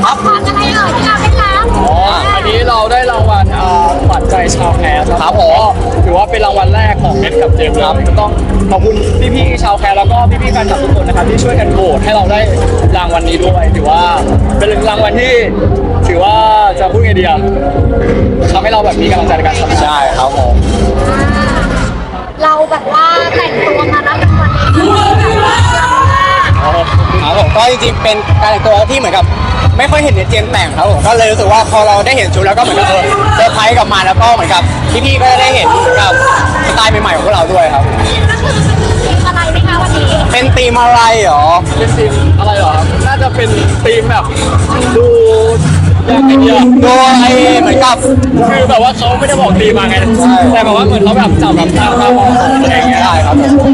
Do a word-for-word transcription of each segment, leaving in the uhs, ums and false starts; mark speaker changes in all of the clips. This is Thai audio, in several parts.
Speaker 1: ครับอะไรเอ่ยที่เราได้รับ
Speaker 2: อ๋ออันนี้เราได้รางวัลขวัญใจชาวแคสครับผมถือว่าเป็นรางวัลแรกของเอสกับเจมส์ครับก็ต้องขอบคุณพี่ๆชาวแคสแล้วก็พี่ๆแฟนคลับทุกคนนะครับที่ช่วยกันโหวตให้เราได้รางวัลนี้ด้วยถือว่าเป็นรางวัลที่ถือว่าจะพูดไงดีอะทำให้เราแบบมีกำลังใจในการทำงานใช่ครับผม
Speaker 1: เราแบบว่าแต่งตัวมารับรางวัลนี้แบบว่า
Speaker 3: ครับผมก็จริงๆเป็นการแต่งตัวที่เหมือนกับไม่ค่อยเห็นในเจนแต่งครับผมก็เลยรู้สึกว่าพอเราได้เห็นชุดแล้วก็เหมือนกับเออเซอร์ไพรส์กลับมาแล้วก็เหมือนกับพี่ๆก็ได้เห็นกับสไตล์ใหม่ๆของพวกเราด้วยครับ
Speaker 1: ก็คือเป็นธีมอะไรไหมคะวันนี้
Speaker 3: เป็นธีมอะไรหรอ
Speaker 2: เป็นธีมอะไรหรอน่าจะเป็นธีมแบบดูอย่างไอเดีย
Speaker 3: โดยเหมือนกับ
Speaker 2: คือแบบว่าเขาไม่ได้บอกธีมมาไงแต่แบบว่าเหมือนเขาแบบจับแบบตามมาบอกอะไรอย่างเงี้ย
Speaker 3: ได้ครับ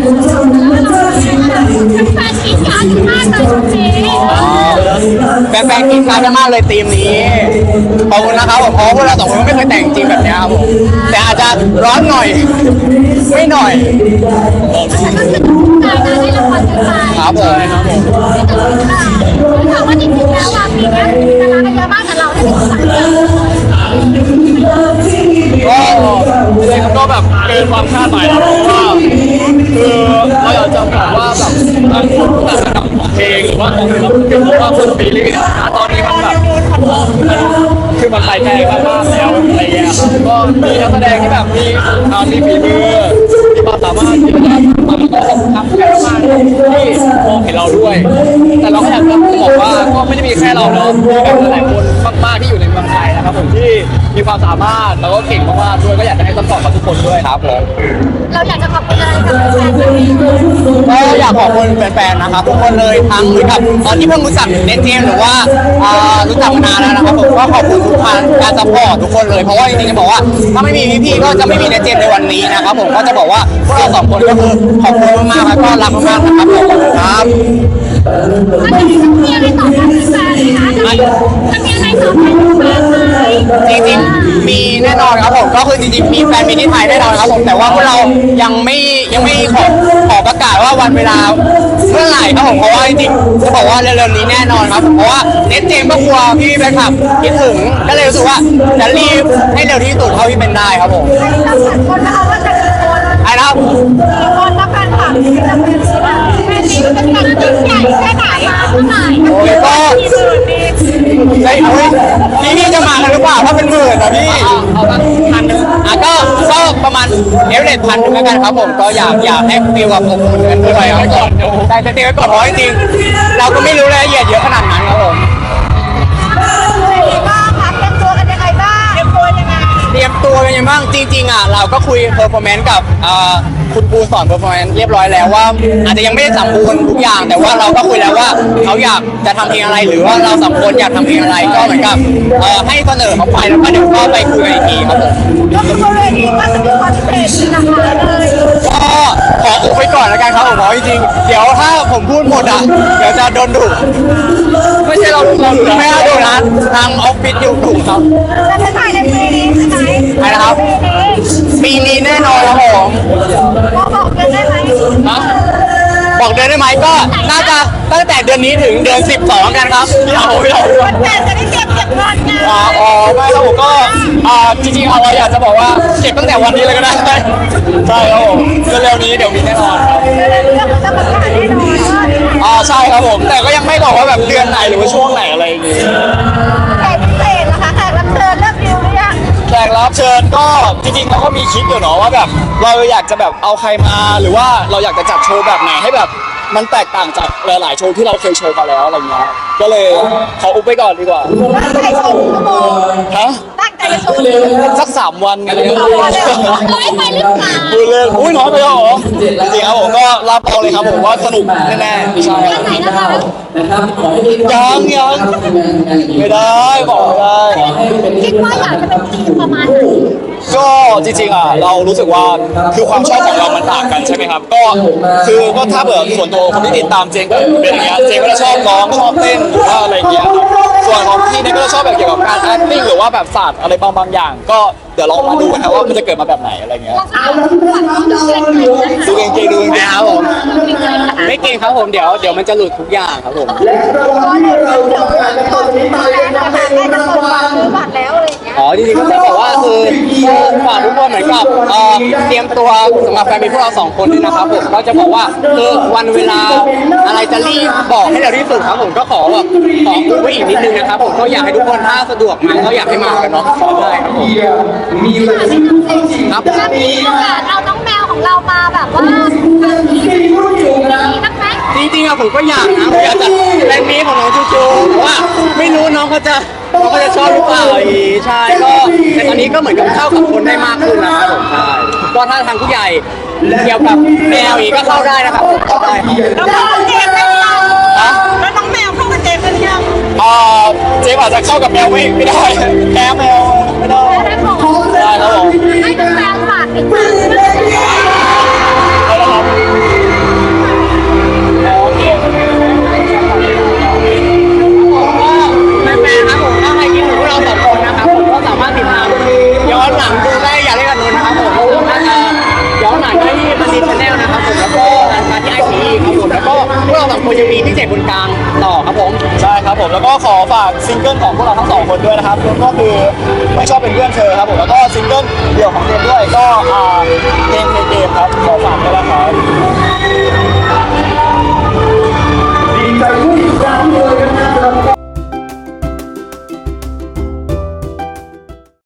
Speaker 1: แฟนกินกันมากเลยวันนี้
Speaker 3: แฟนๆกินกันมากเลยธีมนี้ขอบคุณนะครับผมเพราะพวกเราสองคนก็ไม่เคยแต่งจริงแบบนี้ครับผมแต่อาจจะร้อนหน่อยไม่หน่อย
Speaker 1: ครับผมถามว่าจริงๆแล้วว่าปีนี้ดาราเยอะมากแต่เราได้เป็นคนเดียว
Speaker 2: ก็เลยก็แบบเกินความคาดหมายแล้วเพราะว่าคือเราอยากจะบอกว่าแบบบางคนแต่ระดับเพลงหรือว่าของเราเป็นเพราะว่าคนปีนี้นะตอนนี้มันแบบคือมันไปไกลมากๆแล้วอะไรเงี้ยก็มีนักแสดงที่แบบมีมีฝีมือมีความสามารถที่จะมันก็ทำแค่มากที่มองเห็นเราด้วยแต่เราก็อยากจะบอกว่าก็ไม่ได้มีแค่เราเนาะมีแบบหลายคนมากๆที่อยู่ในเมืองไทยนะครับผมที่มีความสามารถแล้วก็เก่งมากๆด้วยก็อยากจะให้ซัพพอร์ตกับทุกคนด้วยครับผม
Speaker 1: เราอยากจะขอบคุณอะไรกับแฟนๆ
Speaker 3: ก็อยากขอบคุณแฟนๆนะครับทุกคนเลยทั้งเหมือนกับตอนที่เพิ่งรู้จักเน็ตเจมหรือว่ารู้จักมานานแล้วนะครับผมก็ขอบคุณทุกท่านการซัพพอร์ตทุกคนเลยเพราะว่าจริงๆจะบอกว่าถ้าไม่มีพี่ๆก็จะไม่มีเน็ตเจมในวันนี้นะครับผมก็จะบอกว่าพวกเราสองคนก็คือขอบคุณมากๆแล้วก็รักมากๆนะครับผมครับ
Speaker 1: ถ้าจะมีอะไรตอบแทนแฟนๆนะคะจะมีอะไรตอบแทนแฟนไหม
Speaker 3: จริงๆมีแน่นอนครับผมก็คือจริงๆมีแฟนมีที่ไทยแน่นอนครับผมแต่ว่าพวกเรายังไม่ยังไม่ขอขอประกาศว่าวันเวลาเมื่อไหร่ครับผมเพราะว่าจริงๆจะบอกว่าเร็วๆนี้แน่นอนครับเพราะว่าเน็ตเจมก็กลัวพี่แฟนคลับคิดถึงก็เลยรู้สึกว่าจะรีบให้เร็วที่สุดเท่าที่เป็นได้ครับผม
Speaker 1: ต้องสังคนนะคะว่าจะกี่คน
Speaker 3: ไอ้นะครับ
Speaker 1: กี่คนแล้วแฟนคลับจะเป็นที่แบบแม่นี้เป็นการยิ่งใหญ่แค่ไหนมาเท่าไหร่
Speaker 3: โอ้ยก็ไอ้พี่พี่จะมากันหรือเปล่าถ้าเป็นหมื่นนะพี่
Speaker 2: เอาสักพันนึง
Speaker 3: อ่ะก็ก็ประมาณเอเวอเรสต์พันหนึ่งแล้วกันครับผมก็อยากอยากให้ฟีลกับอบอุ่นกันด้วยครับก่อนแต่จะเตรียมไว้ก่อนเพราะจริงๆเราก็ไม่รู้รายละเอียดเยอะขนาดนั้นครับผม
Speaker 1: บ้างคะเตรียมตัวกันยังไงบ้างเตรียมตัวยังไง
Speaker 3: เตรียมตัวกันยังบ้างจริงๆอ่ะเราก็คุยเพอร์ฟอร์แมนซ์กับคุณปูสอนเพอร์ฟอร์แมนซ์เรียบร้อยแล้วว่าอาจจะยังไม่ได้สมบูรณ์ทุกอย่างแต่ว่าเราก็คุยแล้วว่าเขาอยากจะทำเพลงอะไรหรือว่าเราสองคนอยากทำเพลงอะไรก็เหมือนกับให้เสนอเขาไปแล้วก็เดี๋ยวก็ไปคุยกันอีกทีครับผม
Speaker 1: ก็คือบริเวณนี้ก็จะมีคอนเสิร์ตหลากหลายเลย
Speaker 3: ก็ขออุบไว้ก่อนแล้วกันครับผมเพราะจริงๆเดี๋ยวถ้าผมพูดหมดอ่ะเดี๋ยวจะโดนดุไม่ใช่เราเราไม่ได้โดนนะทางออฟฟิศอยู่ดุครับ
Speaker 1: จะจะถ่ายในปีนี้ใช่ไหม
Speaker 3: ใช่นะครับปีนี้แน่นอนครับผม
Speaker 1: บอกเดือนได้ไหม
Speaker 3: บอกเดือนได้ไหมก็น่าจะตั้งแต่เดือนนี้ถึงเดือนสิบสองกันครับ
Speaker 2: เราเรา
Speaker 1: วันแต่จะได้เก็บเก็บเงินไง
Speaker 2: อ๋อไม่ครับผมก็จริงๆเราอยากจะบอกว่าเก็บตั้งแต่วันนี้เลยก็ได้ใช่ครับผมเร็วๆนี้เดี๋ยวมีแน่นอนครับ
Speaker 1: เรื่องจะประกาศแน่นอน
Speaker 2: อ๋อใช่ครับผมแต่ก็ยังไม่บอกว่าแบบเดือนไหนหรือว่าช่วงไหนอะไรอย่างงี้
Speaker 1: แขกพิเศษนะคะแขกรับเชิญเลือกดิวหรือยัง
Speaker 2: แขกรับเชิญก็จริงๆเราก็มีคิดอยู่เนาะว่าแบบเราอยากจะแบบเอาใครมาหรือว่าเราอยากจะจัดโชว์แบบไหนให้แบบมันแตกต่างจากหลายๆโชว์ที่เราเคยโชว์มาแล้วอะไรเงี้ยก็เลยขออุบไปก่อนดีกว่า
Speaker 1: ตั้งใจโชว์ชั่วโมง
Speaker 2: ฮะ
Speaker 1: ตั้งใจโชว์
Speaker 2: สักสามวันอะไรเงี้ย
Speaker 1: น้อยไปหรือเปล่า
Speaker 2: ดูเลยอุ้ยน้อยไปแล้วเหรอจริงๆครับผมก็รับเอาเลยครับผมว่าสนุกแน่ๆใช่
Speaker 1: ไหนนะคะ
Speaker 2: ยังยังไม่ได้บอกไม่ได้
Speaker 1: คิดว่าอยากจะเป็นทีมประมาณไหน
Speaker 2: ก็จริงๆอ่ะเรารู้สึกว่าคือความชอบของเรามันต่างกันใช่ไหมครับก็คือก็ถ้าเบื่อส่วนตัวคนที่ติดตามเจงก็เป็นอย่างเงี้ยเจงก็จะชอบร้องชอบเต้นหรือว่าอะไรอย่างเงี้ยส่วนของพี่เนี่ยก็จะชอบแบบเกี่ยวกับการ acting หรือว่าแบบศาสตร์อะไรบางบางอย่าง ก็เดี๋ยวลองมาดูกันนะว่ามันจะเกิดมาแบบไหนอะไรเงี้ยดูเก่งๆดูเก่ง
Speaker 3: นะครับผมไม่เก่งครับผมเดี๋ยวเดี๋ยวมันจะหลุดทุกอย่างครับผม
Speaker 1: และรางวัลที่เราจะประกาศในตอนนี้มาเลยนะครับเป็นรางวัล
Speaker 4: บัตรแล้วอะไรอย่างเงี้ย
Speaker 3: อ๋อจริงๆก็จะบอกว่าคือฝากทุกคนเหมือนกับเอ่อเตรียมตัวสำหรับแฟนมีพวกเราสองคนด้วยนะครับผมก็จะบอกว่าคือวันเวลาอะไรจะรีบบอกให้เร็วที่สุดครับผมก็ขอแบบขอคุยไว้อีกนิดนึงนะครับผมก็อยากให้ทุกคนถ้าสะดวกมาก็อยากให้มากันเนาะได้ครับผม
Speaker 1: มีรายชื่อเข้าชิง
Speaker 3: ครับ
Speaker 4: ถ้ามีโอกาสเอาน้องแมวของเรามาแบบว่า
Speaker 1: ที่รุ่นอยู่นะ
Speaker 4: มีบ้างไหม
Speaker 3: จริงๆอะผมก็อยากนะผมอยากจัดแรงนี้ของน้องจูจูแต่ว่าไม่รู้น้องเขาจะน้องเขาจะชอบหรือเปล่าอีกใช่ก็แต่ตอนนี้ก็เหมือนกับเข้ากับคนได้มากขึ้นนะครับผมใช่ก็ถ้าทางผู้ใหญ่เกี่ยวกับแมวอีกก็เข้าได้นะครับผมเข้าได้ครับ
Speaker 4: แล้วน้องเจมส์เป็นยัง
Speaker 3: ฮะ
Speaker 4: แล้วน้องแมวเข้ากับเจมส์เป็นยัง
Speaker 2: อ่าเจมอาจจะเข้ากับแมวไม่ไม่ได้แมวแมวไม่ได้
Speaker 4: ได้ของ
Speaker 2: ได้ครับผม
Speaker 4: ให้น้องแมวฝากติดตามด้วย
Speaker 2: เอาละครับ
Speaker 3: แฟนๆครับผมถ้าใครคิดถึงพวกเราสองคนนะครับผมก็สามารถติดตามย้อนหลังดูได้อย่าเล่นกันนนนะครับผมก็สามารถย้อนหลังได้ที่บันทีชาแนลนะครับผมแล้วก็รายการที่ไอซีครับผมแล้วก็พวกเราสองคนยังมีพิเศษบนกลางต่อครับผม
Speaker 2: ใช่ครับผมแล้วก็ขอฝากซิงเกิลของพวกเราทั้งสองคนด้วยนะครับก็คือไม่ชอบเป็นเพื่อนเธอครับผมแล้วก็ซิงเกิลเดี่ยวของเจมด้วยก็อ่าเพลงเพลงเกมครับขอฝากด้วยนะครับ